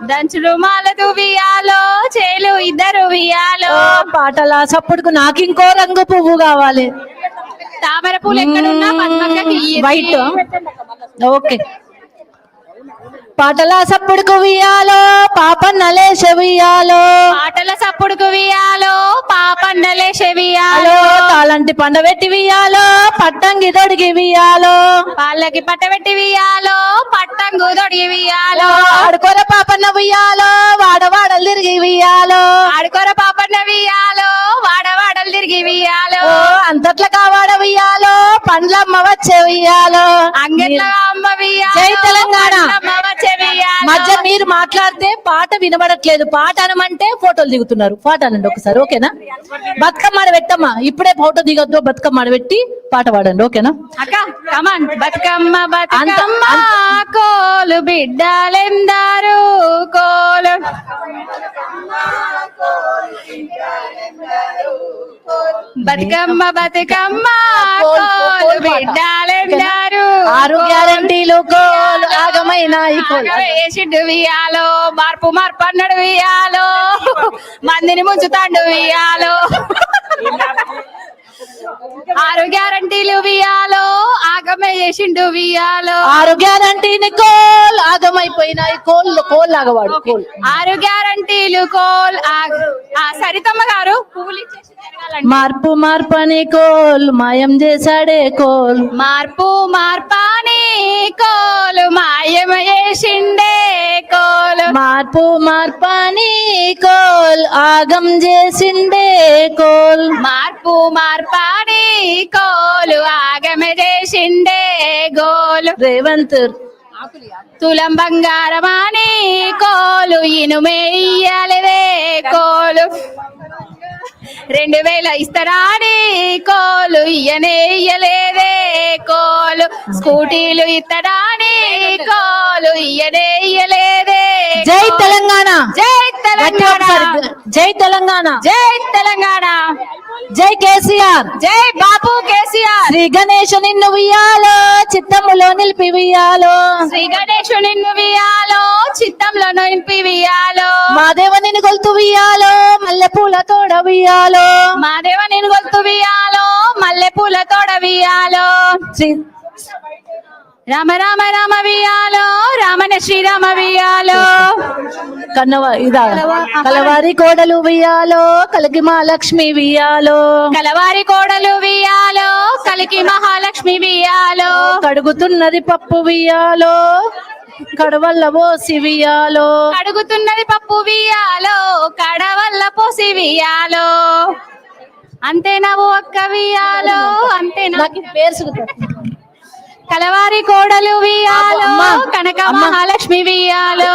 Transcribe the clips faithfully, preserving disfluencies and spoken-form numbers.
దంచులు మాలదు వియాలో చేలు ఇద్దరు వియాలో. పాటల సప్పుడుకు నాకు ఇంకో రంగు పువ్వు కావాలి. తామర పూలు ఎక్కడున్నా పద్మక్కకి వైట్. ఓకే. పాటల సప్పుడుకు వియాలో పాపన్నలే చెవియాలో. పాటల సప్పుడుకు వియాలో పాపన్నలే చెవియాలో. తాళంటి పండబెట్టి వియాలో పట్టంగి దొడిగి వియాలో. వాళ్ళకి పట్టబెట్టి వియాలో పట్టంగు దొడిగి వియాలో. ఆడుకోర పాపన్న వియాలో వాడవాడలు తిరిగి వియాలో. ఆడుకోర పాపన్న వియాలో వాడవాడలు తిరిగి వియాలో. అంతట్ల కావాడ వియాలో పండ్లమ్మ వచ్చే వియాలో. అంగట్ల అమ్మ వియాలో. జై తెలంగాణ. వియాలో. మధ్య మీరు మాట్లాడితే పాట వినబడట్లేదు. పాట అనమంటే ఫోటోలు దిగుతున్నారు. పాట అనండి ఒకసారి, ఓకేనా? బతుకమ్మ ఆడ పెట్టమ్మా. ఇప్పుడే ఫోటో దిగొద్దు, బతుకమ్మ ఆడ పెట్టి పాట పాడండి, ఓకేనా? అక్క కమాన్. బతుకమ్మ బతుకమ్మ కోలు బిడ్డలెందారు కోలు. బతుకమ్మ బతుకమ్మ కోలు బిడ్డలెందారు. ఆరు గ్యారంటీలు కోలు ఆగమైన వేసిండు వియాలో మార్పు మార్పు అన్నాడు వియాలో. మందిని ముంచుతాండు వియాలో. ఆరు గ్యారంటీలు వియాలో ఆగమే చేసిండు వియాలో. ఆరు గ్యారంటీని కోల్ ఆగమైపోయినాయి. కోల్ కోల్ ఆగవాడు కోల్. ఆరు గ్యారంటీలు కోల్ సరితమ్మ గారు పువ్వులు ఇచ్చేసి మార్పు మార్పని కోల్ మాయం చేశాడే కోల్. మార్పు మార్పాని కోలు మాయం చేసిండే కోలు. మార్పు మార్పాని కోల్ ఆగం చేసిండే కోల్. మార్పు మార్పాని కోలు ఆగమ చేసిండే గోలు. రేవంత్ తులం బంగారమాని కోలు ఇనుమేయ్యలేదే కోలు. రెండు వేల ఇస్తారాని కోలు ఇయ్యనేయ్యలేదే కోలు. స్కూటీలు ఇస్తారాని కోలు ఇయ్యనేయ్యలేదే. జై తెలంగాణ. జై తెలంగాణ. జై తెలంగాణ. జై తెలంగాణ. జై కేసీఆర్. జై బాబు కేసీఆర్. శ్రీ గణేష్ నిన్ను వియాలో చిత్తములో నిలిపి వియాలో. శ్రీ గణేష్ నిన్ను వియాలో చిత్తంలో నిలిపి వియాలో. మాదేవ నిన్ను గొలుతు వియాలో మల్లె పూల తోడ వియాలో. మాదేవ నిన్ను గొలుతు వియాలో మల్లె పూల తోడ వియాలో. శ్రీ రామ రామ రామ వియాలో రామన శ్రీరామ వియాలో. కన్నవ ఇదా కలవారి కోడలు వియాలో కలికి మహాలక్ష్మి వియాలో. కలవారి కోడలు వియాలో కలికి మహాలక్ష్మి వియాలో. కడుగుతున్నది పప్పు వియాలో కడవల్ల పోసి వియాలో. కడుగుతున్నది పప్పు వియాలో కడవల్ల పోసి వియాలో. అంతేనా ఓ అక్క వియాలో అంతేనా. పేరు కలవారి కోడలు వియాలో కనక మహాలక్ష్మి వియాలో.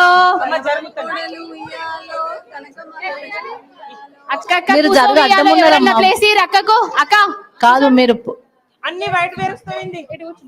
మీరు జరుగు అడ్డం ఉన్నారమ్మా. ప్లేస్ అక్కకు అక్క కాదు మీరు అన్ని వైట్ వేరుస్తాయింది.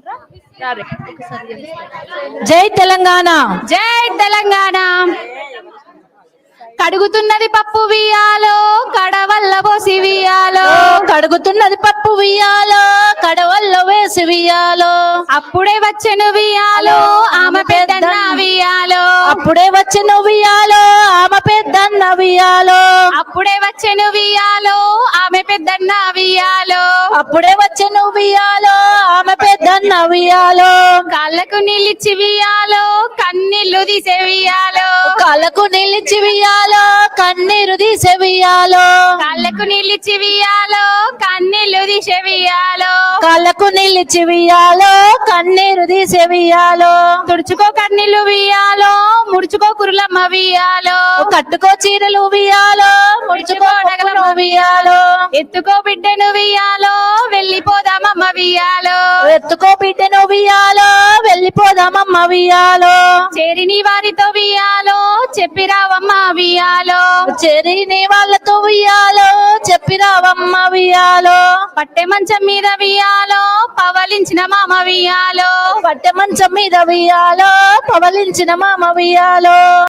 జై తెలంగాణ. జై తెలంగాణ. కడుగుతున్నది పప్పు వియాలో కడవల్ల పోసి వియాలో. కడుగుతున్నది పప్పు వియాలో కడవల్ల వేసి వియాలో. అప్పుడే వచ్చెను వియాలో ఆమె పెద్దన్న వియాలో. అప్పుడే వచ్చెను వియాలో ఆమె పెద్దన్న వియాలో. అప్పుడే వచ్చెను వియాలో ఆమె పెద్దన్న వియాలో. అప్పుడే వచ్చెను వియాలో ఆమె పెద్దన్న వియాలో. కాళ్ళకు నిలిచి వియాలో కన్నీళ్లు తీసే వియాలో. కాళ్ళకు నిలిచి వియాలో కన్నీరు తీసే వియాలో. కాళ్ళకు నిలిచి వియాలో కన్నీళ్లు తీసే వియాలో. కాళ్ళకు నిలిచి వియాలో కన్నీరు తీసే వియాలో. తుడుచుకో కన్నీళ్లు వియాలో ముడుచుకో కురులమ్మ వియాలో. కట్టుకో చీరలు వియాలో ముడుచుకో నగలు వియాలో. ఎత్తుకో బిడ్డను వియాలో వెళ్ళిపోదామమ్మ వియాలో. ఎత్తుకో బిడ్డను వియాలో వెళ్ళిపోదామమ్మ వియాలో. చేరిని వారితో వియాలో చెప్పిరావమ్మ వియాలో. చేరిని వాళ్ళతో వియాలో చెప్పిరావమ్మ వియాలో. పట్టె మంచం మీద వియాలో పవలించిన మామ వియాలో. పట్టె మంచం మీద వియాలో పవలించిన మామ వియాలో.